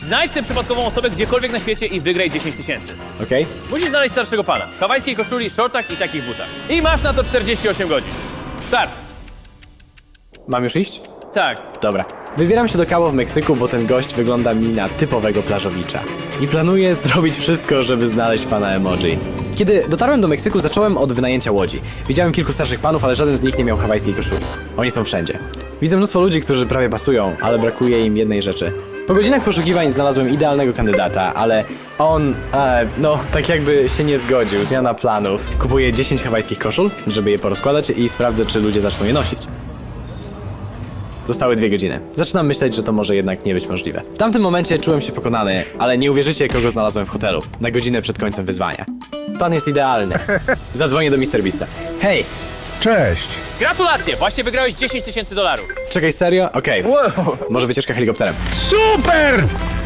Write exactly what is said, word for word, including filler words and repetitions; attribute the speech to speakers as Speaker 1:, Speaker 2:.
Speaker 1: Znajdź tę przypadkową osobę gdziekolwiek na świecie i wygraj dziesięć tysięcy.
Speaker 2: Okej? Okay?
Speaker 1: Musisz znaleźć starszego pana, w hawajskiej koszuli, shortach i takich butach. I masz na to czterdzieści osiem godzin. Start!
Speaker 2: Mam już iść?
Speaker 1: Tak.
Speaker 2: Dobra. Wybieram się do Cabo w Meksyku, bo ten gość wygląda mi na typowego plażowicza. I planuję zrobić wszystko, żeby znaleźć pana emoji. Kiedy dotarłem do Meksyku, zacząłem od wynajęcia łodzi. Widziałem kilku starszych panów, ale żaden z nich nie miał hawajskiej koszuli. Oni są wszędzie. Widzę mnóstwo ludzi, którzy prawie pasują, ale brakuje im jednej rzeczy. Po godzinach poszukiwań znalazłem idealnego kandydata, ale on, e, no, tak jakby się nie zgodził. Zmiana planów. Kupuję dziesięć hawajskich koszul, żeby je porozkładać i sprawdzę, czy ludzie zaczną je nosić. Zostały dwie godziny. Zaczynam myśleć, że to może jednak nie być możliwe. W tamtym momencie czułem się pokonany, ale nie uwierzycie, kogo znalazłem w hotelu. Na godzinę przed końcem wyzwania. Plan jest idealny. Zadzwonię do mister Beasta. Hej!
Speaker 3: Cześć!
Speaker 1: Gratulacje! Właśnie wygrałeś dziesięć tysięcy dolarów.
Speaker 2: Czekaj, serio? Okej.
Speaker 3: Wow.
Speaker 2: Może wycieczka helikopterem.
Speaker 3: Super!